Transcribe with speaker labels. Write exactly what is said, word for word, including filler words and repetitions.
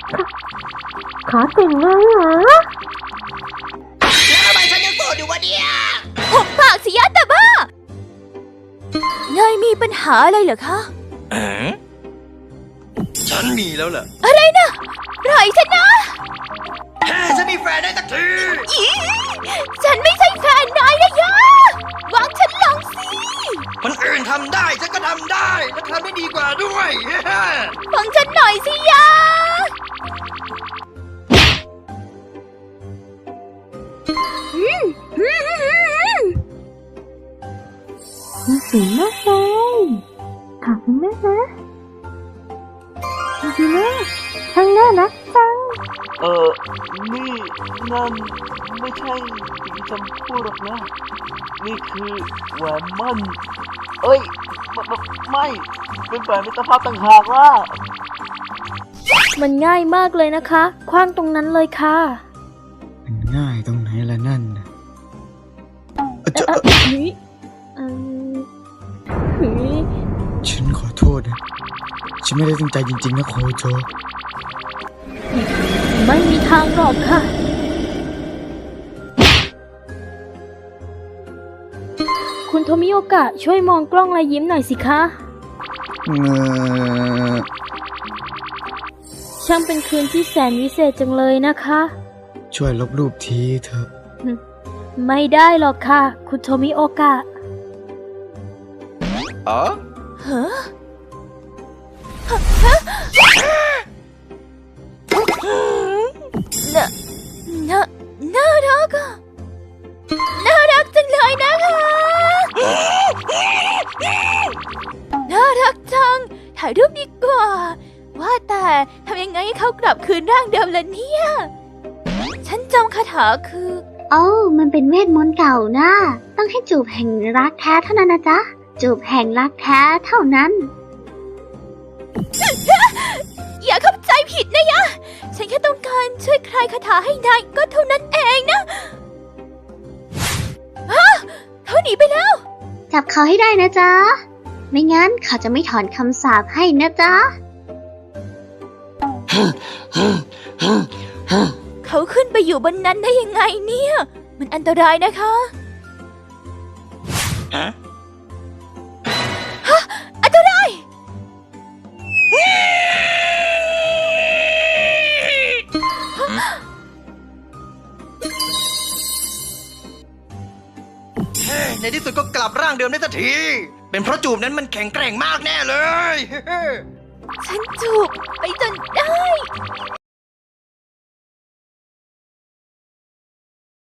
Speaker 1: ขอแต่งงานเหรอ
Speaker 2: แล้วทำไมฉันยังโสดอยู่วะเนี่ย
Speaker 3: หุบปากสิยะแต่บ้าไงมีปัญหาอะไรเหรอคะ
Speaker 2: เอ๋ฉันมีแล้วเหรอ
Speaker 3: อะไรนะปล่อยฉันนะ
Speaker 2: แค่ฉันมีแฟนได้สักที
Speaker 3: อีฉันไม่ใช่แฟนนายนะยะวางฉันลงสิ
Speaker 2: คนอื่นทำได้ฉันก็ทำได้และทำได้ดีกว่าด้วย
Speaker 3: ฟังฉันหน่อยสิยะ
Speaker 1: สวยมากเลยขอบคุณมากนะดีมากช่างน่ารักจัง
Speaker 4: เออนี่นั่นไม่ใช่สิ่งที่ฉันพูดหรอกนะนี่คือแหวนมั่นเอ้ยไม่เป็นแหวนมิตรภาพต่างหากล่ะ
Speaker 3: มันง่ายมากเลยนะคะคว้างตรงนั้นเลยค่ะ
Speaker 5: มันง่ายตรงไหนล่ะนั่นนะ
Speaker 3: จะ
Speaker 5: ฉันขอโทษนะฉันไม่ได้ตั้งใจจริงๆนะโคโจ
Speaker 3: ไม่มีทางหรอกค่ะคุณโทมิโอกะช่วยมองกล้องและยิ้มหน่อยสิคะ
Speaker 5: เออ
Speaker 3: ช่างเป็นคืนที่แสนวิเศษจังเลยนะคะ
Speaker 5: ช่วยลบรูปทีเถอะ
Speaker 3: ไม่ได้หรอกค่ะคุณโทมิโอกะ
Speaker 2: อ๋อ
Speaker 3: ฮะน่าน่าน่ารักอะน่ารักจังเลยนะคะน่ารักจังถ่ายรูปดีกว่าว่าแต่ทำยังไงให้เขากลับคืนร่างเดิมล่ะเนี่ยฉันจำคาถาคือ
Speaker 1: โอ้มันเป็นเวทมนต์เก่านะต้องให้จูบแห่งรักแท้เท่านั้นนะจ๊ะจูบแห่งรักแท้เท่านั้น
Speaker 3: อย่าเข้าใจผิดนะยะฉันแค่ต้องการช่วยคลายคาถาให้นายก็เท่านั้นเองนะฮะเขาหนีไปแล้ว
Speaker 1: จับเขาให้ได้นะจ๊ะไม่งั้นเขาจะไม่ถอนคำสาปให้นะจ๊ะ
Speaker 3: เขาขึ้นไปอยู่บนนั้นได้ยังไงเนี่ยมันอันตรายนะคะฮะอันตราย
Speaker 2: ในที่สุดก็กลับร่างเดิมได้สักทีเป็นเพราะจูบนั้นมันแข็งแกร่งมากแน่เลย
Speaker 3: ฉันจูบไปจนได้